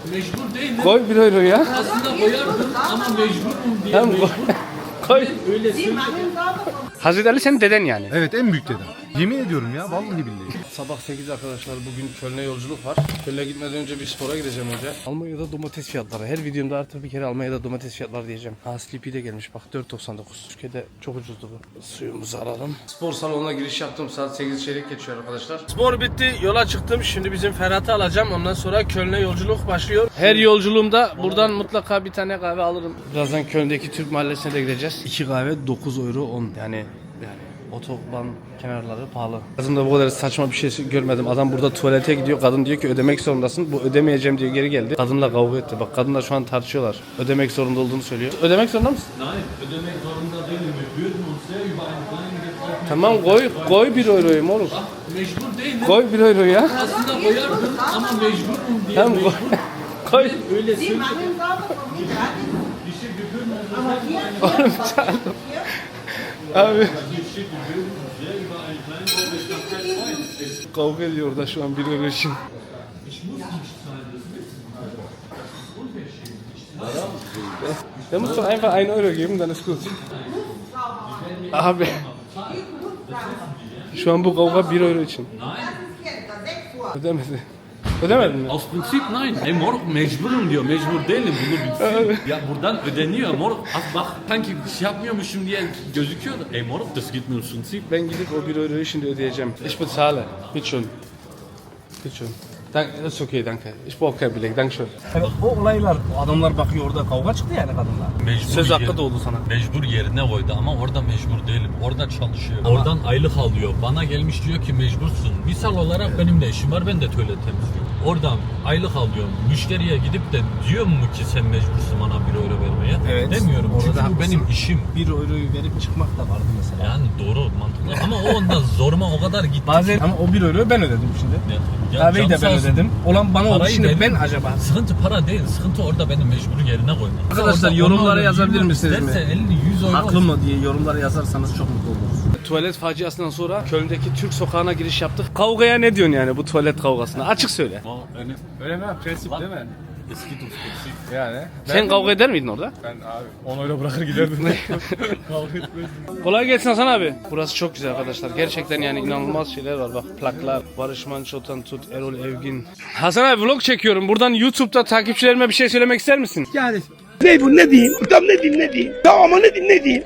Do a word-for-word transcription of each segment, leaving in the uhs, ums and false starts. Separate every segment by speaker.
Speaker 1: Mecbur değil mi?
Speaker 2: Koy bir euro ya.
Speaker 1: Aslında koyardım ama mecburum diye.
Speaker 2: Tamam koy. Koy.
Speaker 1: Öyle söylüyor.
Speaker 2: Hazreti Ali senin deden yani.
Speaker 3: Evet, en büyük dedem. Yemin ediyorum ya, vallahi billahi.
Speaker 2: Sabah sekiz arkadaşlar, bugün Köln'e yolculuk var. Köln'e gitmeden önce bir spora gideceğim önce. Almanya'da domates fiyatları. Her videomda artık bir kere Almanya'da domates fiyatları diyeceğim. Ha, Sleepy de gelmiş bak, dört doksan dokuz. Türkiye'de çok ucuzdu bu. Suyumuzu alalım. Spor salonuna giriş yaptım, saat sekiz çeyrek geçiyor arkadaşlar. Spor bitti, yola çıktım. Şimdi bizim Ferhat'ı alacağım. Ondan sonra Köln'e yolculuk başlıyor. Her yolculuğumda buradan mutlaka bir tane kahve alırım. Birazdan Köln'deki Türk mahallesine de gideceğiz. iki kahve dokuz euro on. Yani yani otoban kenarları pahalı. Hayatımda bu kadar saçma bir şey görmedim. Adam burada tuvalete gidiyor. Kadın diyor ki ödemek zorundasın. Bu ödemeyeceğim diyor, geri geldi. Kadınla kavga etti. Bak kadınlar şu an tartışıyorlar. Ödemek zorunda olduğunu söylüyor. Ödemek zorunda mısın?
Speaker 1: Nein, ödemek zorunda değilim. Wir würden uns sehr über einen kleinen Betrag.
Speaker 2: Tamam koy. Koy bir euroyu moruk.
Speaker 1: Mecbur değil mi?
Speaker 2: Koy bir euro ya.
Speaker 1: Aslında koyardım ama mecburum diye.
Speaker 2: Tamam koy. Koy.
Speaker 1: Öyle söylüyor.
Speaker 2: Oğlum canım. Abi. Kavga ediyor da şu an bir euro için. Der muss doch einfach einen Euro geben, dann ist gut. Abi. Şu an bu kavga bir euro için. Ödemedi. Ödemedin mi?
Speaker 1: Aus Prinzip nein. Ey moruk mecburum diyor. Mecbur değilim bunu bilsin. Ya buradan ödeniyor moruk. Az bak sanki bir şey yapmıyormuşum diye gözüküyor da. Ey moruk das geht mir ins Prinzip.
Speaker 2: Ben gidip o bir euroyu şimdi ödeyeceğim. Ich bezahle. Bitte schön. Bitte schön. Dank, das ist okay, danke. Ich brauche kein Beleg, danke schön.
Speaker 4: Yani o olaylar, adamlar bakıyor orada kavga çıktı yani kadınlar.
Speaker 1: Mecbur
Speaker 2: Söz hakkı
Speaker 1: yer-
Speaker 2: da oldu sana.
Speaker 1: Mecbur yerine koydu ama orada mecbur değilim. Orada çalışıyor. Oradan aylık alıyor. Bana gelmiş diyor ki mecbursun. Misal olarak benim de işim var. Ben de tuvalet temizliyorum. Oradan aylık alıyorum. Müşteriye gidip de diyor mu ki sen mecbursun bana bir euro vermeye?
Speaker 4: Evet.
Speaker 1: Demiyorum.
Speaker 4: Orada
Speaker 1: Çünkü
Speaker 4: da
Speaker 1: bu benim
Speaker 4: haklısın.
Speaker 1: işim.
Speaker 4: Bir euroyu verip çıkmak da vardı mesela.
Speaker 1: Yani doğru mantıklı ama o onda zoruma o kadar gitti.
Speaker 4: Bazen ama o bir euroyu ben ödedim şimdi.
Speaker 1: Ya,
Speaker 4: Kahveyi
Speaker 1: canı
Speaker 4: de
Speaker 1: sağ
Speaker 4: ben
Speaker 1: olsun.
Speaker 4: ödedim. Olan bana oldu
Speaker 1: Parayı
Speaker 4: şimdi
Speaker 1: verin.
Speaker 4: ben acaba.
Speaker 1: Sıkıntı para değil. Sıkıntı orada benim mecburi yerine koymak.
Speaker 4: Arkadaşlar,
Speaker 1: Orada
Speaker 4: yorumlara
Speaker 1: ona
Speaker 4: yazabilir
Speaker 1: yirmi
Speaker 4: misiniz mi?
Speaker 1: isterse elli yüz euro.
Speaker 4: Haklı mı diye yorumlara yazarsanız çok mutlu oluruz.
Speaker 2: Tuvalet faciasından sonra Köln'deki Türk sokağına giriş yaptık. Kavgaya ne diyorsun yani bu tuvalet kavgasına? Açık söyle.
Speaker 5: Öyle mi? Prensip değil mi?
Speaker 1: Eski Türk prensip.
Speaker 5: Yani.
Speaker 2: Sen kavga eder miydin orada?
Speaker 5: Ben abi on euro bırakır giderdim. Kavga etmezdim.
Speaker 2: Kolay gelsin Hasan abi. Burası çok güzel arkadaşlar. Gerçekten yani inanılmaz şeyler var. Bak plaklar. Barış Manço'dan tut, Erol Evgin. Hasan abi vlog çekiyorum. Buradan YouTube'da takipçilerime bir şey söylemek ister misin?
Speaker 6: Yani ne bu ne diyeyim? Tam ne diyeyim ne diyeyim? Tamam ama ne diyeyim ne diyeyim?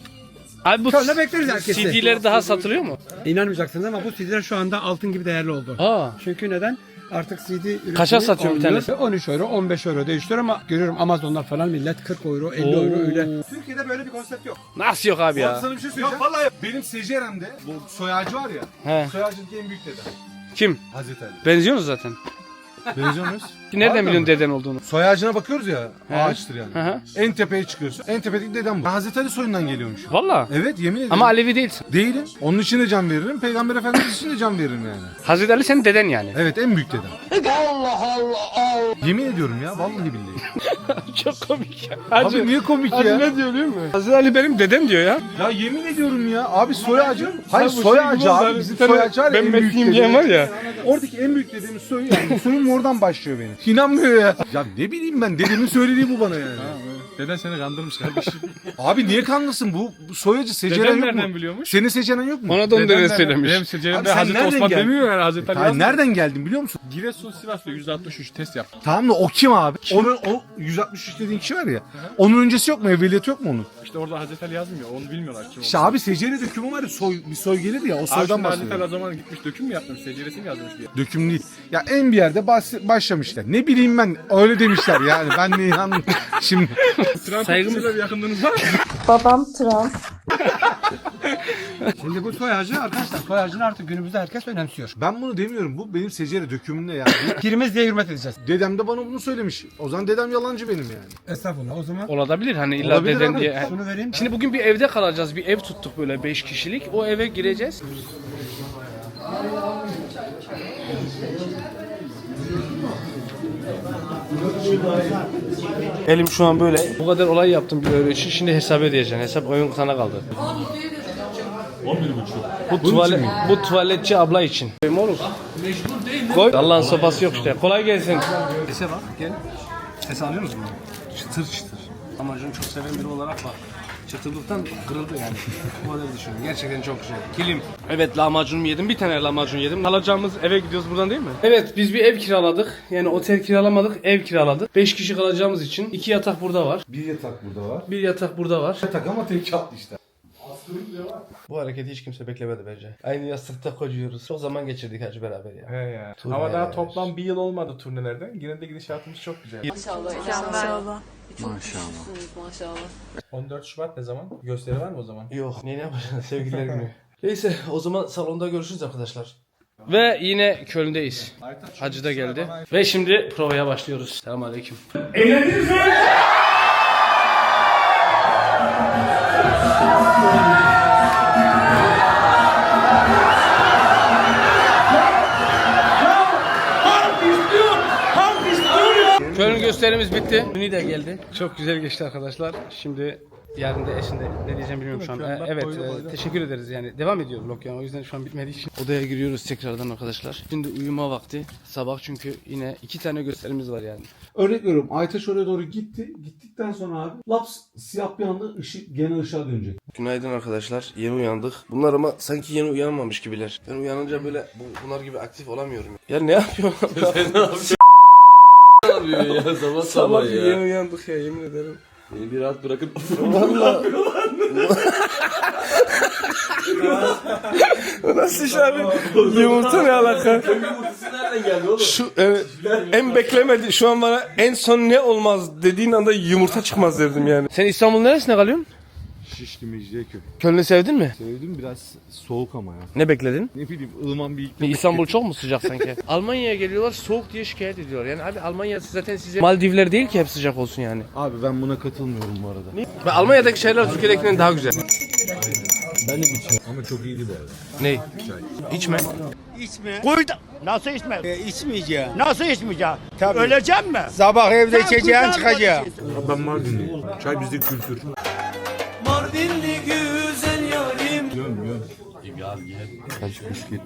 Speaker 2: Abi bu
Speaker 6: Şöyle bekleriz herkesi.
Speaker 2: C D'leri daha satılıyor mu?
Speaker 6: İnanmayacaksınız ama bu C D'ler şu anda altın gibi değerli oldu.
Speaker 2: Aa.
Speaker 6: Çünkü neden? Artık C D üretimi
Speaker 2: Kaça satıyor bir
Speaker 6: olmuyor.
Speaker 2: tanesi?
Speaker 6: on üç euro, on beş euro değiştiriyor ama görüyorum Amazon'dan falan millet kırk euro, elli
Speaker 2: Oo.
Speaker 6: euro öyle. Türkiye'de böyle bir konsept yok.
Speaker 2: Nasıl yok abi ya?
Speaker 3: Sana bir şey söyleyeceğim. Yok vallahi benim Secerem'de bu soy ağacı var ya.
Speaker 2: He.
Speaker 3: Soy ağacındaki en büyük dedem.
Speaker 2: Kim?
Speaker 3: Hazreti Ali.
Speaker 2: Benziyorsunuz zaten.
Speaker 3: Benziyor muyuz?
Speaker 2: Nereden
Speaker 3: Pardon
Speaker 2: biliyorsun
Speaker 3: mu?
Speaker 2: deden olduğunu?
Speaker 3: Soy ağacına bakıyoruz ya,
Speaker 2: He.
Speaker 3: ağaçtır yani.
Speaker 2: Hı hı.
Speaker 3: En tepeye çıkıyorsun. En tepedeki dedem bu. Hazreti Ali soyundan geliyormuş.
Speaker 2: Valla.
Speaker 3: Evet, yemin ederim.
Speaker 2: Ama Alevi değilsin.
Speaker 3: Değilim. Onun için de can veririm. Peygamber Efendimiz için de can veririm yani.
Speaker 2: Hazreti Ali senin deden yani.
Speaker 3: Evet, en büyük dedem. Allah Allah. Yemin ediyorum ya, vallahi billahi.
Speaker 2: Çok komik ya.
Speaker 3: Abi niye komik
Speaker 2: Hacı
Speaker 3: ya?
Speaker 2: ne diyor biliyor musun? Hazreti Ali benim dedem diyor ya.
Speaker 3: Ya yemin ediyorum ya. Abi soy ağacı. Hayır,
Speaker 2: Sen bu
Speaker 3: soy
Speaker 2: şey
Speaker 3: ağacı
Speaker 2: gibi oldu
Speaker 3: abi.
Speaker 2: hani,
Speaker 3: Bizim
Speaker 2: bir tane
Speaker 3: soy ağacı var ya,
Speaker 2: ben
Speaker 3: en büyük
Speaker 2: Mesih'im diyen
Speaker 3: dedemiz.
Speaker 2: var ya.
Speaker 3: Oradaki en büyük dediğimiz soy yani. Soyum oradan başlıyor benim. İnanmıyor ya. Ya ne bileyim ben, dedemin söylediği bu bana yani.
Speaker 5: Deden seni kandırmış kardeşim.
Speaker 3: Abi niye kanlısın, bu, bu soy ağacı Seceren
Speaker 5: Deden
Speaker 3: yok
Speaker 5: nereden
Speaker 3: mu?
Speaker 5: biliyormuş?
Speaker 3: Senin Seceren yok mu?
Speaker 2: Ona da onu dede söylemiş.
Speaker 5: Benim
Speaker 3: Abi
Speaker 5: Secerim'de
Speaker 3: sen
Speaker 5: Hazreti
Speaker 3: nereden
Speaker 5: Osman
Speaker 3: geldin?
Speaker 5: demiyor yani Hazreti Ali
Speaker 3: Hayır,
Speaker 5: yazmıyor.
Speaker 3: nereden geldin biliyor musun?
Speaker 5: Giresun Sivas'ta yüzde altmış üç test yaptım.
Speaker 3: Tamam da o kim abi? Onun o yüz altmış üç dediğin kişi var ya. Onun öncesi yok mu? Evveliyatı yok mu onun?
Speaker 5: İşte orada Hazreti Ali yazmıyor. Onu bilmiyorlar kim
Speaker 3: İşte abi Secere dökümü var ya, soy, bir soy gelir ya, o
Speaker 5: Abi
Speaker 3: soydan
Speaker 5: şimdi Hazreti Ali
Speaker 3: bahsediyor.
Speaker 5: o zaman gitmiş döküm mü yapmış? Seceresi mi yazmış diye.
Speaker 3: Döküm değil. Ya en bir yerde bahs- başlamışlar. Ne bileyim ben, öyle demişler yani. Ben de inandım. Şimdi
Speaker 5: Saygımızla bir yakınlığınız var mı?
Speaker 7: Babam Trump.
Speaker 6: Şimdi bu soy ağacı arkadaşlar, soy ağacını artık günümüzde herkes önemsiyor.
Speaker 3: ben bunu demiyorum. Bu benim Secere dökümümde yani.
Speaker 6: Pirimiz diye hürmet edeceğiz.
Speaker 3: Dedem de bana bunu söylemiş. O zaman dedem yalancı benim yani.
Speaker 6: Estağfurullah, o zaman
Speaker 2: Olabilir hani illa
Speaker 3: Olabilir
Speaker 2: deden
Speaker 3: abi.
Speaker 2: diye.
Speaker 6: şunu vereyim.
Speaker 2: Şimdi bugün bir evde kalacağız. Bir ev tuttuk böyle beş kişilik. O eve gireceğiz. Elim şu an böyle. Bu kadar olay yaptım bir euro için. Şimdi hesap ödeyeceksin. Hesap oyun sana kaldı.
Speaker 1: on bir buçuk.
Speaker 2: Bu tuvalet, bu tuvaletçi abla için. Koyayım oğlum.
Speaker 1: Mecbur değil mi?
Speaker 2: Koy. Allah'ın sopası yok işte. Kolay gelsin.
Speaker 4: Sese bak gel. Ses alıyor musun? Çıtır çıtır. Amacını çok seven biri olarak bak. Çıtırlıktan kırıldı yani. Bu kadar düşünüyorum. Gerçekten çok güzel. Kilim.
Speaker 2: Evet, lahmacun yedim. Bir tane lahmacun yedim. Kalacağımız eve gidiyoruz buradan değil mi? Evet, biz bir ev kiraladık. Yani otel kiralamadık, ev kiraladık. beş kişi kalacağımız için iki yatak burada var.
Speaker 3: Bir yatak burada var.
Speaker 2: Bir yatak burada var.
Speaker 3: Yatak ama tek katlı işte.
Speaker 2: Bu hareketi hiç kimse beklemedi bence. Aynı yastıkta kocuyoruz. Çok zaman geçirdik hacı beraber ya.
Speaker 5: He ya.
Speaker 2: Turne.
Speaker 5: Ama daha toplam bir yıl olmadı turnelerden. Yine de gidişatımız çok güzel.
Speaker 7: Maşallah. Maşallah. Çok güçlüsünüz maşallah.
Speaker 5: on dört Şubat ne zaman? Gösteri var mı o zaman?
Speaker 2: Yok, ne ne yapacaksın sevgililer günü. Neyse, o zaman salonda görüşürüz arkadaşlar. Ve yine Köln'deyiz. Hacı da geldi. Ve şimdi provaya başlıyoruz. Selamünaleyküm. Eğlendiniz mi? Köln gösterimiz bitti. Ünlü de geldi. Çok güzel geçti arkadaşlar. Şimdi yarın da eşinde ne diyeceğim bilmiyorum şu an. Ee, evet, e, teşekkür ederiz yani. Devam ediyor vlog yani. O yüzden şu an bitmediği için. Odaya giriyoruz tekrardan arkadaşlar. Şimdi uyuma vakti. Sabah çünkü yine iki tane gösterimiz var yani.
Speaker 3: Örnek veriyorum. Aytaç oraya doğru gitti. Gittikten sonra abi laps siyah bir anda ışık gene ışığa dönecek.
Speaker 2: Günaydın arkadaşlar. Yeni uyandık. Bunlar ama sanki yeni uyanmamış gibiler. Ben uyanınca böyle bu- bunlar gibi aktif olamıyorum. Ya ne yapıyorsun? Sen ne yapıyorsun?
Speaker 1: Ne yapıyor ya sabah
Speaker 2: Sabah
Speaker 1: sabah
Speaker 2: yeni
Speaker 1: ya.
Speaker 2: uyandık ya, yemin ederim.
Speaker 1: Beni bir rahat bırakın.
Speaker 2: Valla. Nasıl iş abi? Yumurta ne alaka?
Speaker 1: Yumurtası nereden geldi oğlum?
Speaker 2: Şu evet, en beklemedi. Şu an bana en son ne olmaz dediğin anda yumurta çıkmaz derdim yani. Sen İstanbul neresinde kalıyorsun?
Speaker 3: Şişli Mecidiyeköy.
Speaker 2: Köln'ü sevdin mi?
Speaker 3: Sevdim, biraz soğuk ama ya.
Speaker 2: Ne bekledin?
Speaker 3: Ne bileyim, ılıman bir iklim.
Speaker 2: İstanbul çok mu sıcak sanki? Almanya'ya geliyorlar soğuk diye şikayet ediyorlar. Yani abi Almanya zaten size Maldivler değil ki hep sıcak olsun yani.
Speaker 3: Abi ben buna katılmıyorum bu arada.
Speaker 2: Ve Almanya'daki şeyler Türkiye'dekinden daha güzel.
Speaker 3: Ben de içiyorum. Ama çok iyiydi bu arada.
Speaker 2: Ne? İçme.
Speaker 8: İçme. Koy da. Nasıl içme? E, içmeyeceğim. Nasıl içmeyeceğim? Tabii. Öleceğim mi? Sabah evde içeceğim çıkacağım.
Speaker 3: Ben Mardinliyim. Çay bizde kültür.
Speaker 9: Mardinli güzel yarim.
Speaker 3: Yiyorum yiyorum.
Speaker 1: Ya ye.
Speaker 3: Kaç bisküvit.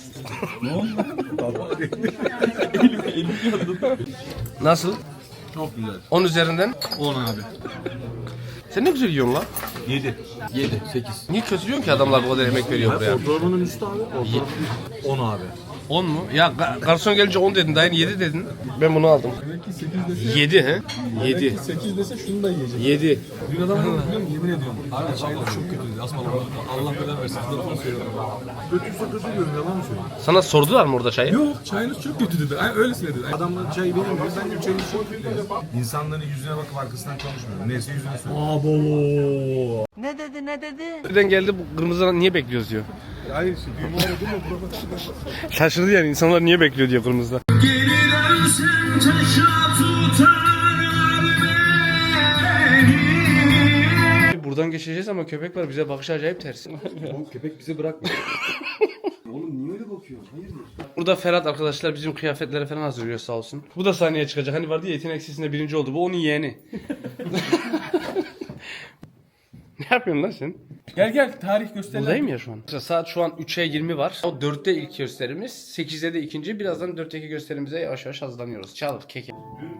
Speaker 2: Nasıl?
Speaker 3: Çok güzel.
Speaker 2: on üzerinden.
Speaker 3: on abi.
Speaker 2: Sen ne güzel yiyorsun lan.
Speaker 3: yedi. yedi. sekiz.
Speaker 2: Niye kötülüyorsun ki adamlar bu kadar emek veriyor buraya?
Speaker 3: Ortalamanın üstü abi. Ortalama on abi.
Speaker 2: on mu? Ya ga- garson gelince on dedin, dayın yedi dedin. Ben bunu aldım. yedi he? yedi.
Speaker 5: sekiz dese şunu da yiyecek.
Speaker 2: yedi.
Speaker 5: Dün adam biliyor musun? Yemin ediyorum. Abi çaylar çok kötüydü. Asma Allah belanı versin. Size lafını söylüyorum.
Speaker 3: Kötüyse kötü diyorum, yalan mı söylüyorum?
Speaker 2: Sana sordular mı orada çayı?
Speaker 5: Yok çayınız çok kötü dedi. Ay, öylesine dedi.
Speaker 3: Adamlar çayı benim diyor, ben de çayını çok kötü diyorum. İnsanların yüzüne bakıp arkasından konuşmuyorum. Neyse yüzüne söylüyorum.
Speaker 9: Ne dedi ne dedi?
Speaker 2: Birden geldi bu kırmızıdan niye bekliyoruz diyor.
Speaker 3: Hayır işte düğümü aradım mı?
Speaker 2: Şaşırdı yani insanlar niye bekliyor diyor kırmızıda. Buradan geçeceğiz ama köpek var, bize bakışı acayip ters.
Speaker 3: Oğlum köpek bizi bırakmıyor. Oğlum niye öyle bakıyorsun? Hayırdır?
Speaker 2: Burada Ferhat arkadaşlar bizim kıyafetleri falan hazırlıyor sağ olsun. Bu da sahneye çıkacak. Hani vardı ya yetenek sesinde birinci oldu. Bu onun yeğeni. Ne yapıyorsun lan sen?
Speaker 5: Gel gel tarih göster.
Speaker 2: Buradayım ya şu an. Saat şu an üçe yirmi var. O dörtte ilk gösterimiz. sekizde de ikinci. Birazdan dörtteki gösterimize yavaş yavaş hazırlanıyoruz. Çal keke.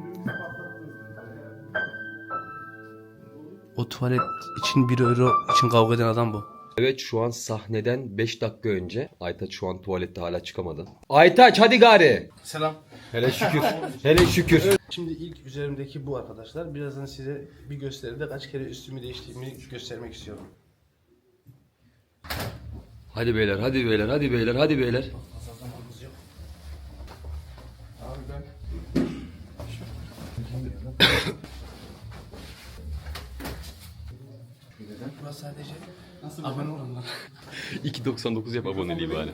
Speaker 2: O tuvalet için bir euro için kavga eden adam bu.
Speaker 10: Evet şu an sahneden beş dakika önce. Aytaç şu an tuvalette hala çıkamadı. Aytaç hadi gari.
Speaker 2: Selam.
Speaker 10: Hele şükür. Hele şükür.
Speaker 2: Şimdi ilk üzerimdeki bu arkadaşlar. Birazdan size bir gösteride kaç kere üstümü değiştiğimi göstermek istiyorum.
Speaker 10: Hadi beyler hadi beyler hadi beyler hadi beyler.
Speaker 2: Burası sadece nasıl abone olanlar.
Speaker 10: iki doksan dokuz yap aboneliği bari.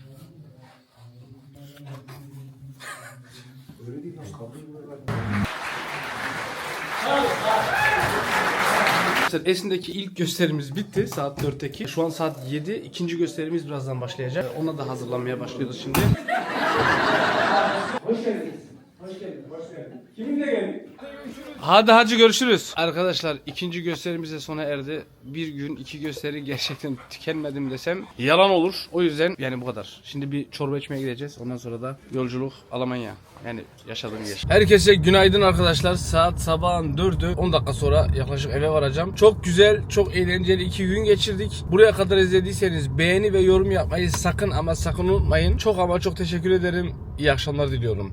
Speaker 2: Esin'deki ilk gösterimiz bitti. Saat dörtteki. Şu an saat yedi. İkinci gösterimiz birazdan başlayacak. Ona da hazırlanmaya başlıyoruz şimdi. Hoş geldiniz. Hoş geldiniz. Hoş geldiniz. Kiminle geldik? Hadi hacı görüşürüz. Arkadaşlar ikinci gösterimiz de sona erdi. Bir gün iki gösteri gerçekten tükenmedim desem yalan olur. O yüzden yani bu kadar. Şimdi bir çorba içmeye gideceğiz. Ondan sonra da yolculuk Almanya. Yani yaşadığım yer. Herkese günaydın arkadaşlar. Saat sabahın dördü. on dakika sonra yaklaşık eve varacağım. Çok güzel, çok eğlenceli iki gün geçirdik. Buraya kadar izlediyseniz beğeni ve yorum yapmayı sakın ama sakın unutmayın. Çok ama çok teşekkür ederim. İyi akşamlar diliyorum.